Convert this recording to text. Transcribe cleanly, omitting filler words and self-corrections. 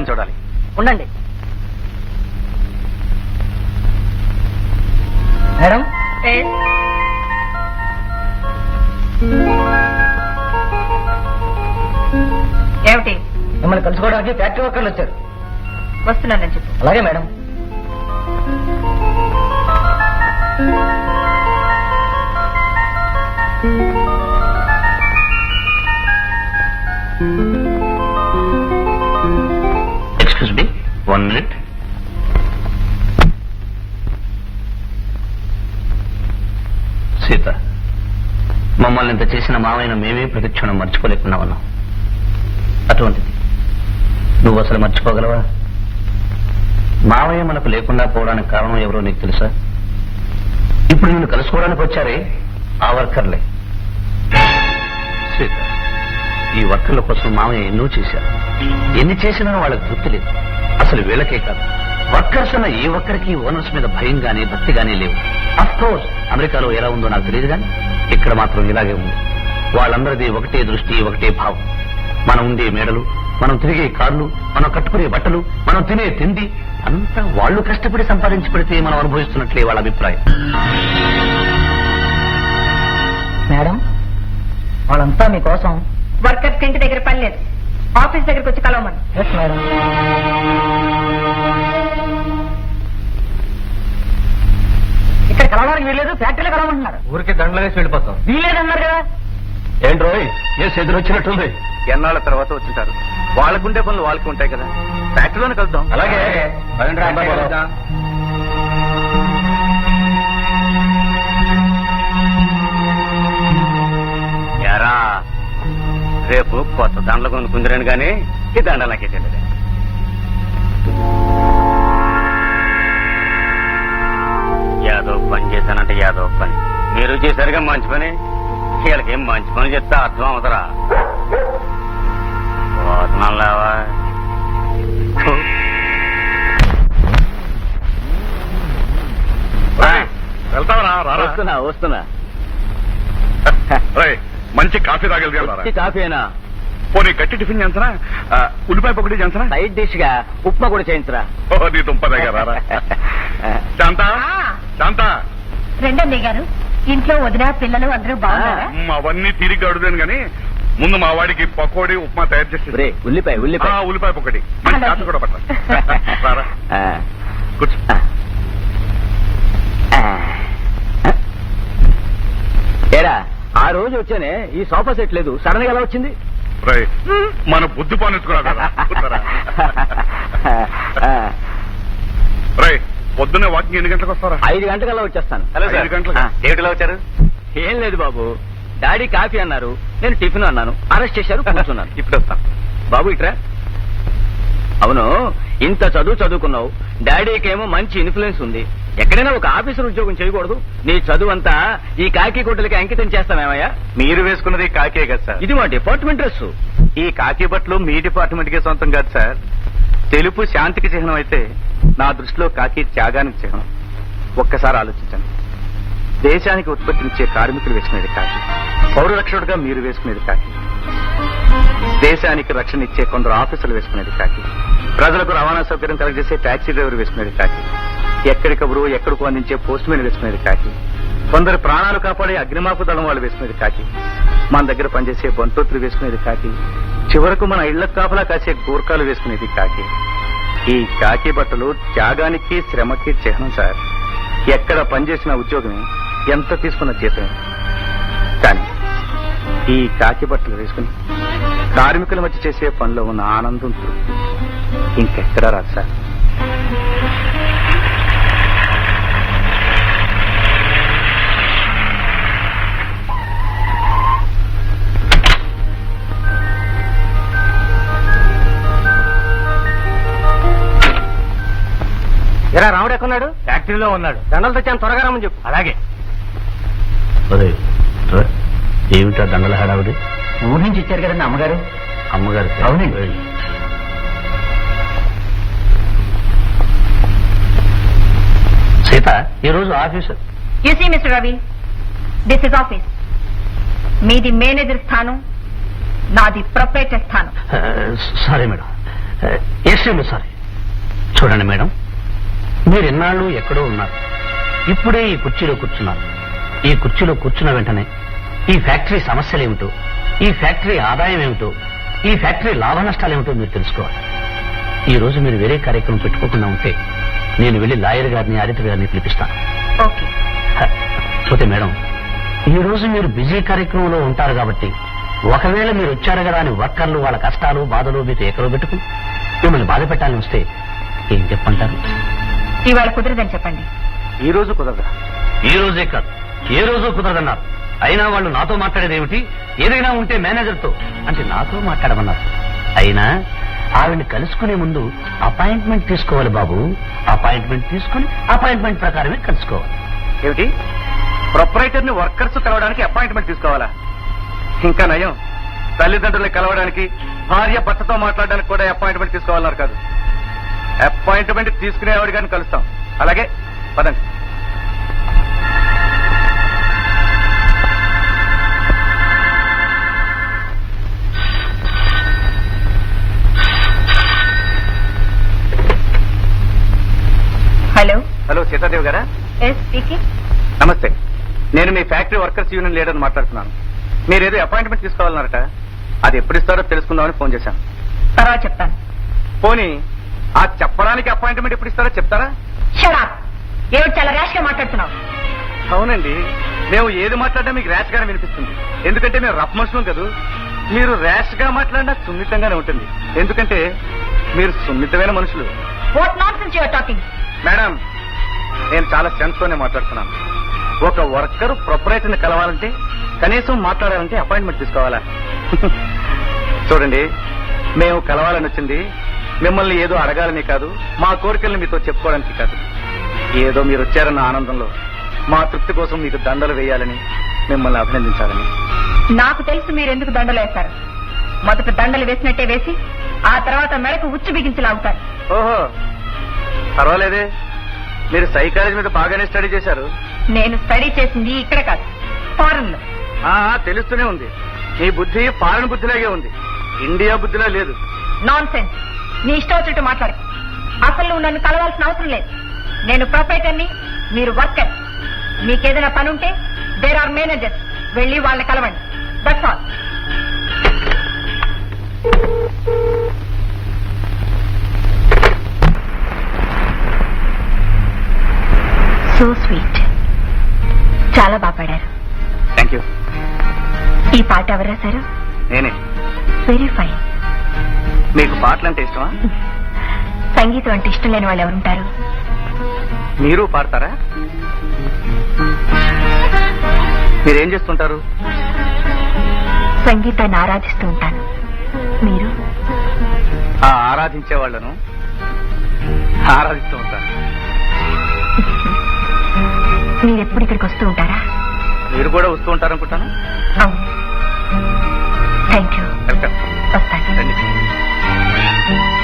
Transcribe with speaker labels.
Speaker 1: వాళ్ళని చూడాలి.
Speaker 2: ఉండండి మేడం.
Speaker 3: ఏమిటి?
Speaker 2: మిమ్మల్ని కలుసుకోవడానికి ఫ్యాక్టరీ వర్కర్లు వచ్చారు.
Speaker 3: వస్తున్నానని చెప్పు.
Speaker 2: అలాగే madam.
Speaker 1: Excuse me, 1 minute. Sita, మమ్మల్ని ఇంత చేసిన మావైన మేమే ప్రతిక్షణం మర్చిపోలేకుండా ఉన్నాం. అటువంటిది నువ్వు అసలు మర్చిపోగలవా? మావయ్య మనకు లేకుండా పోవడానికి కారణం ఎవరో నీకు తెలుసా? ఇప్పుడు నిన్ను కలుసుకోవడానికి వచ్చారే ఆ వర్కర్లే. సీత, ఈ వర్కర్ల కోసం మావయ్య ఎన్నో చేశారు. ఎన్ని చేసినా వాళ్ళకి తృప్తి లేదు. అసలు వీళ్ళకే కాదు, వర్కర్స్ అన్న ఏ ఒక్కరికి ఓనర్స్ మీద భయం గానీ భక్తి గానీ లేవు. అఫ్ కోర్స్ అమెరికాలో ఎలా ఉందో నాకు తెలియదు కానీ ఇక్కడ మాత్రం ఇలాగే ఉంది. వాళ్ళందరిది ఒకటే దృష్టి, ఒకటే భావం. మనం ఉండే మేడలు, మనం తిరిగే కార్లు, మనం కట్టుకునే బట్టలు, మనం తినే తిండి అంతా వాళ్ళు కష్టపడి సంపాదించి పెడితే మనం అనుభవిస్తున్నట్లే వాళ్ళ అభిప్రాయం.
Speaker 2: మేడం, వాళ్ళంతా మీకోసం.
Speaker 3: వర్కర్స్ ఇంటి దగ్గర పని లేదు, ఆఫీస్ దగ్గరకు వచ్చి కలవమని.
Speaker 2: Yes madam. ఇక్కడ కలవడానికి వీల్లేదు, ఫ్యాక్టరీలో కలవమంటున్నారు.
Speaker 1: ఊరికి దండలు వేసి వెళ్ళిపోతాం.
Speaker 2: వీల్లేదన్నారు కదా.
Speaker 1: ఏంట్రోయ్, ఏ చేతులు వచ్చినట్టుంది. ఎన్నాళ్ళ తర్వాత వచ్చింటారు, వాళ్ళకుండే పనులు వాళ్ళకి ఉంటాయి కదా. ఫ్యాక్టరీలోనే కలుద్దాం. అలాగే. ఎరా, రేపు కొత్త దండలు కొనుక్కుందిరాను గానీ ఈ దండలు నాకే తెలియదు. యాదో పని చేశానంటే యాదో పని, మీరు చేశారుగా మంచి పని. వీళ్ళకేం మంచి పని చెప్తే అర్థం అవుతారా? పోతున్నావా? వస్తున్నా వస్తున్నా.
Speaker 4: మంచి కాఫీ తాగలిగారు.
Speaker 1: కాఫీనా?
Speaker 4: పోనీ గట్టి టిఫిన్ చేయించరా? ఉల్లిపాయ పకోడీ చేయించరా?
Speaker 1: సైడ్ డిష్ గా ఉప్మా కూడా చేయించరా?
Speaker 4: నీ దుంప దగ్గర శాంత, శాంత.
Speaker 3: రెండన్నయ్య గారు, ఇంట్లో వదిన పిల్లలు అందరూ బాగున్నారా?
Speaker 4: అవన్నీ తిరిగి అడుగుదాను గాని ముందు మా వాడికి పకోడీ ఉప్మా తయారు చేసి.
Speaker 1: ఉల్లిపాయ
Speaker 4: ఉల్లిపాయ పకోడీ కాఫీ కూడా పట్టారా? కూర్చో.
Speaker 1: ఏరా, ఆ రోజు వచ్చానే ఈ సోఫా సెట్ లేదు, సడన్ గా ఎలా వచ్చింది?
Speaker 4: మన బుద్ధి పానించుకున్నావు కదా. పొద్దున్నే వాకింగ్ ఎన్ని గంటలకు వస్తారా?
Speaker 1: 5 గంటలకల్లా వచ్చేస్తాను.
Speaker 4: 5 గంటలకు ఏమిటిలా వచ్చారు?
Speaker 1: ఏం లేదు బాబు, డాడీ కాఫీ అన్నారు, నేను టిఫిన్ అన్నాను, అరెస్ట్ చేశారు, కూర్చున్నాను.
Speaker 4: ఇప్పుడు వస్తాను
Speaker 1: బాబు, ఇట్రా. అవును, ఇంత చదువుకున్నావు, డాడీకేమో మంచి ఇన్ఫ్లుయెన్స్ ఉంది, ఎక్కడైనా ఒక ఆఫీసర్ ఉద్యోగం చేయకూడదు? నీ చదువు అంతా ఈ కాకి గుడ్డలకి అంకితం చేస్తామేమయ్యా?
Speaker 4: మీరు వేసుకున్నది కాకే కదా సార్.
Speaker 1: ఇది మా డిపార్ట్మెంట్ డ్రెస్.
Speaker 4: ఈ కాకి బట్టలు మీ డిపార్ట్మెంట్ కే సొంతం కాదు సార్. తెలుపు శాంతికి చిహ్నం అయితే నా దృష్టిలో కాకి త్యాగానికి చిహ్నం. ఒక్కసారి ఆలోచించండి. దేశానికి ఉత్పత్తినిచ్చే కార్మికులు వేసుకునేది కాకి, పౌర రక్షకుడుగా మీరు వేసుకునేది కాకి, దేశానికి రక్షణ ఇచ్చే కొందరు ఆఫీసర్లు వేసుకునేది కాకి, ప్రజలకు రవాణా సౌకర్యం కలగజేసే టాక్సీ డ్రైవర్ వేసుకునేది కాకి, ఎక్కడికప్పుడు ఎక్కడికో అందించే పోస్ట్ మ్యాన్ వేసుకునేది కాకి, కొందరు ప్రాణాలు కాపాడే అగ్నిమాపు దళం వాళ్ళు వేసుకునేది కాకి, మన దగ్గర పనిచేసే బంతోత్రులు వేసుకునేది కాకి, చివరకు మన ఇళ్లకు కాపలా కాసే గూర్ఖాలు వేసుకునేది కాకి. ఈ కాకి బట్టలు త్యాగానికి శ్రమకి చిహ్నం సార్. ఎక్కడ పనిచేసిన ఉద్యోగమే, ఎంత తీసుకున్న జీతమే. కానీ ఈ కాకి బట్టలు వేసుకుని కార్మికుల మధ్య చేసే పనిలో ఉన్న ఆనందం, తృప్తి ఇంకెక్కడా రాదు సార్.
Speaker 2: ఎరా, రాముడు ఎక్కడున్నాడు?
Speaker 1: ఫ్యాక్టరీలో ఉన్నాడు.
Speaker 2: దండలు తెచ్చాను, త్వరగా రమ్మని చెప్పు.
Speaker 1: అలాగే. ఏమిటా దండల హడావుడి?
Speaker 2: ఊరి నుంచి ఇచ్చారు కదండి అమ్మగారు.
Speaker 1: అమ్మగారు?
Speaker 2: అవునండి.
Speaker 1: సీత, ఈ రోజు officer.
Speaker 3: You see mister Ravi, this is office. మీది మేనేజర్ స్థానం, నాది ప్రొపరేటర్ స్థానం.
Speaker 1: Sorry madam, extremely sorry. చూడండి మేడం, మీరు ఎన్నాళ్ళు ఎక్కడో ఉన్నారు, ఇప్పుడే ఈ కుర్చీలో కూర్చున్నారు. ఈ కుర్చీలో కూర్చున్న వెంటనే ఈ ఫ్యాక్టరీ సమస్యలేమిటో, ఈ ఫ్యాక్టరీ ఆదాయం ఏమిటో, ఈ ఫ్యాక్టరీ లాభ నష్టాలేమిటో మీరు తెలుసుకోవాలి. ఈ రోజు మీరు వేరే కార్యక్రమం పెట్టుకోకుండా ఉంటే నేను వెళ్లి లాయర్ గారిని, ఆడిటర్ గారిని పిలిపిస్తాను.
Speaker 3: ఓకే.
Speaker 1: పోతే మేడం, ఈ రోజు మీరు బిజీ కార్యక్రమంలో ఉంటారు కాబట్టి ఒకవేళ మీరు వచ్చారు కదా అని వర్కర్లు వాళ్ళ కష్టాలు బాధలు మీకు ఎక్కడో పెట్టుకుని మిమ్మల్ని బాధ పెట్టాలని వస్తే ఏం చెప్పంటారు?
Speaker 3: ఇవాళ కుదరదని చెప్పండి.
Speaker 4: ఈ రోజు కుదరదా?
Speaker 1: ఈ రోజే కాదు, ఏ రోజు కుదరదన్నారు. అయినా వాళ్ళు నాతో మాట్లాడేది ఏమిటి? ఏదైనా ఉంటే మేనేజర్తో అంటే నాతో మాట్లాడమన్నారు. అయినా ఆవిడ్ని కలుసుకునే ముందు అపాయింట్మెంట్ తీసుకోవాలి బాబు. అపాయింట్మెంట్ తీసుకుని అపాయింట్మెంట్ ప్రకారమే కలుసుకోవాలి.
Speaker 4: ఏమిటి, ప్రొపరైటర్ ని వర్కర్స్ కలవడానికి అపాయింట్మెంట్ తీసుకోవాలా? ఇంకా నయం, తల్లిదండ్రుల్ని కలవడానికి, భార్య భర్తతో మాట్లాడడానికి కూడా అపాయింట్మెంట్ తీసుకోవాలన్నారు కాదు. అపాయింట్మెంట్ తీసుకునేవాడి గారిని కలుస్తాం. అలాగే పదండి.
Speaker 3: హలో.
Speaker 4: హలో, సీతాదేవి గారా?
Speaker 3: Yes speaking.
Speaker 4: నమస్తే, నేను మీ ఫ్యాక్టరీ వర్కర్స్ యూనియన్ లీడర్ మాట్లాడుతున్నాను. మీరేదో అపాయింట్మెంట్ తీసుకోవాలన్నారట, అది ఎప్పుడు ఇస్తారో తెలుసుకుందామని ఫోన్ చేశాను.
Speaker 3: తర్వాత చెప్తాను.
Speaker 4: పోనీ ఆ చెప్పడానికి అపాయింట్మెంట్ ఎప్పుడు ఇస్తారో చెప్తారా?
Speaker 3: Shut up. ఏమిటి చాలా ర్యాష్ గా మాట్లాడుతున్నావు?
Speaker 4: అవునండి, మేము ఏది మాట్లాడినా మీకు ర్యాష్ గానే వినిపిస్తుంది. ఎందుకంటే మేము రఫ్ మనుషులం కదా. మీరు ర్యాష్ గా మాట్లాడినా సున్నితంగానే ఉంటుంది, ఎందుకంటే మీరు సున్నితమైన మనుషులు.
Speaker 3: What nonsense you are talking?
Speaker 4: Madam, నేను చాలా సెన్స్ తోనే మాట్లాడుతున్నాను. ఒక వర్కర్ ప్రొపరేటర్ ని కలవాలంటే, కనీసం మాట్లాడాలంటే అపాయింట్మెంట్ తీసుకోవాలా? చూడండి, మేము కలవాలని వచ్చింది మిమ్మల్ని ఏదో అడగాలని కాదు, మా కోరికల్ని మీతో చెప్పుకోవడానికి కాదు. ఏదో మీరు వచ్చారన్న ఆనందంలో మా తృప్తి కోసం మీకు దండలు వేయాలని, మిమ్మల్ని అభినందించాలని.
Speaker 3: నాకు తెలుసు మీరెందుకు దండలు వేస్తారు. మొదట దండలు వేసినట్టే వేసి ఆ తర్వాత మెడకు ఉచ్చు బిగించి లాగుతారు.
Speaker 4: ఓహో, పర్వాలేదే, మీరు సైకాలజీ మీద బాగానే స్టడీ చేశారు.
Speaker 3: నేను స్టడీ చేసింది ఇక్కడ కాదు, ఫారెన్ లో.
Speaker 4: తెలుస్తూనే ఉంది, మీ బుద్ధి ఫారెన్ బుద్ధిలాగే ఉంది, ఇండియా బుద్ధిలా లేదు.
Speaker 3: Nonsense. నీ ఇష్టం వచ్చినట్టు మాట్లాడు. అసలు నువ్వు నన్ను కలవాల్సిన అవసరం లేదు. నేను ప్రొపరైటర్ని, మీరు వర్కర్. మీకేదైనా పని ఉంటే దేర్ ఆర్ మేనేజర్స్, వెళ్ళి వాళ్ళని కలవండి. That's all. So sweet. చాలా బాగా పాడారు.
Speaker 4: Thank you.
Speaker 3: ఈ పాట ఎవరు రాశారు?
Speaker 4: నేనే.
Speaker 3: Very fine.
Speaker 4: మీకు పాటలు అంటే ఇష్టమా?
Speaker 3: సంగీతం అంటే ఇష్టం లేని వాళ్ళు ఎవరుంటారు?
Speaker 4: మీరు పాడతారా? మీరేం చేస్తుంటారు?
Speaker 3: సంగీతాన్ని ఆరాధిస్తూ ఉంటాను. మీరు?
Speaker 4: ఆరాధించే వాళ్ళను ఆరాధిస్తూ ఉంటాను.
Speaker 3: మీరు ఎప్పుడు ఇక్కడికి వస్తూ ఉంటారా?
Speaker 4: మీరు కూడా వస్తూ ఉంటారనుకుంటాను.
Speaker 3: అవును. Thank you.
Speaker 4: వెల్కమ్.
Speaker 3: వస్తాను.
Speaker 4: రండి.